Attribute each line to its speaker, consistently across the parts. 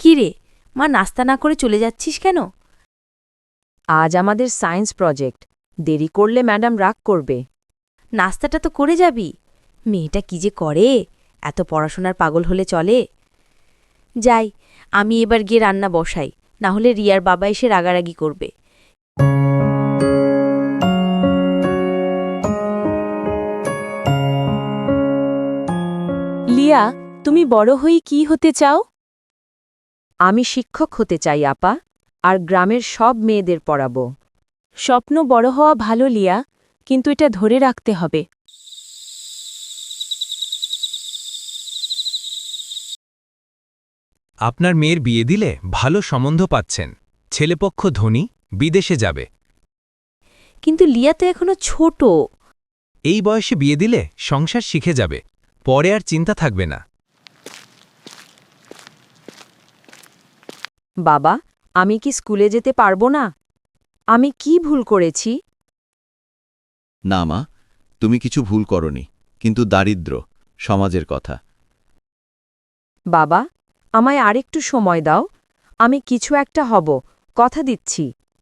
Speaker 1: কি রে, মা নাস্তা না করে চলে যাচ্ছিস কেন?
Speaker 2: আজ আমাদের সায়েন্স প্রজেক্ট, দেরি করলে ম্যাডাম রাগ করবে।
Speaker 1: নাস্তাটা তো করে যাবি। মেয়েটা কি যে করে, এত পড়াশোনার পাগল হলে চলে? যাই, আমি এবার গিয়ে রান্না বসাই, না হলে রিয়ার বাবা এসে রাগারাগি করবে।
Speaker 3: লিয়া, তুমি বড় হয়ে কি হতে চাও?
Speaker 2: আমি শিক্ষক হতে চাই আপা, আর গ্রামের সব মেয়েদের পড়াবো।
Speaker 3: স্বপ্ন বড় হওয়া ভালো লিয়া, কিন্তু এটা ধরে রাখতে হবে।
Speaker 4: আপনার মেয়ের বিয়ে দিলে ভালো সম্বন্ধ পাচ্ছেন, ছেলেপক্ষ ধনী, বিদেশে যাবে।
Speaker 1: কিন্তু লিয়া তো এখনো ছোট।
Speaker 4: এই বয়সে বিয়ে দিলে সংসার শিখে যাবে, পরে আর চিন্তা থাকবে না।
Speaker 2: বাবা, আমি কি স্কুলে যেতে পারবো না? আমি কি ভুল করেছি?
Speaker 5: না মা, তুমি কিছু ভুল করনি, কিন্তু দারিদ্র্য সমাজের কথা।
Speaker 2: বাবা, আমায় আরেকটু সময় দাও, আমি কিছু একটা হব, কথা দিচ্ছি।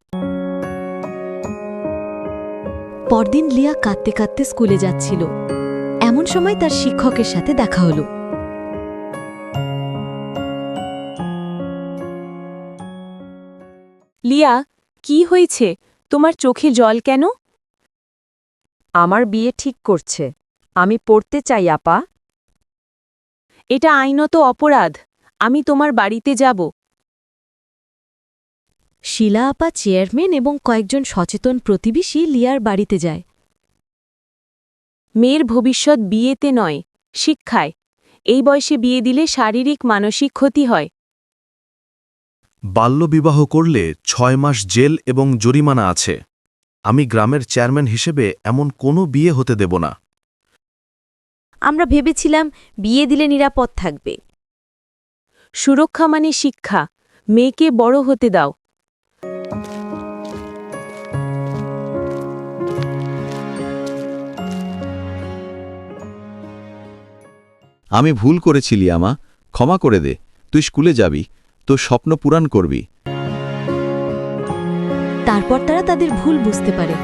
Speaker 6: পরদিন লিয়া কাঁদতে কাঁদতে স্কুলে যাচ্ছিল। এমন সময় তার শিক্ষকের সাথে দেখা হলো।
Speaker 3: লিয়া, কি হয়েছে? তোমার চোখে জল কেন?
Speaker 2: আমার বিয়ে ঠিক করছে, আমি পড়তে চাই আপা।
Speaker 3: এটা আইনত অপরাধ। আমি তোমার বাড়িতে যাব।
Speaker 6: শিলা আপা চেয়ারম্যান এবং কয়েকজন সচেতন প্রতিবেশী লিয়ার বাড়িতে যায়।
Speaker 3: মেয়ের ভবিষ্যৎ বিয়েতে নয়, শিক্ষায়। এই বয়সে বিয়ে দিলে শারীরিক মানসিক ক্ষতি হয়।
Speaker 7: বাল্যবিবাহ করলে 6 মাস জেল এবং জরিমানা আছে। আমি গ্রামের চেয়ারম্যান হিসেবে এমন কোনো বিয়ে হতে দেব না।
Speaker 1: আমরা ভেবেছিলাম বিয়ে দিলে নিরাপদ থাকবে।
Speaker 3: সুরক্ষা মানে শিক্ষা। মেয়েকে বড় হতে দাও।
Speaker 5: আমি ভুল করেছি লিয়ামা, ক্ষমা করে দে। তুই স্কুলে যাবি, তোর স্বপ্ন পূরণ করবি।
Speaker 6: তারপর তারা তাদের ভুল বুঝতে পারে।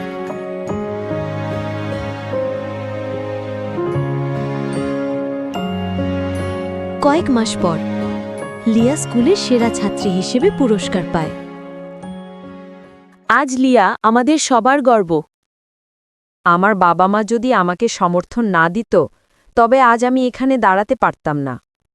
Speaker 6: কয়েক মাস পর লিয়া স্কুলের সেরা ছাত্রী হিসেবে পুরস্কার পায়।
Speaker 3: আজ লিয়া আমাদের সবার গর্ব।
Speaker 2: আমার বাবা মা যদি আমাকে সমর্থন না দিত, তবে আজ আমি এখানে দাঁড়াতে পারতাম না।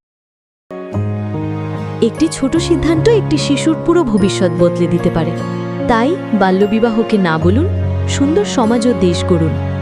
Speaker 6: একটি ছোট সিদ্ধান্ত একটি শিশুর পুরো ভবিষ্যৎ বদলে দিতে পারে। তাই বাল্যবিবাহকে না বলুন, সুন্দর সমাজ ও দেশ গড়ুন।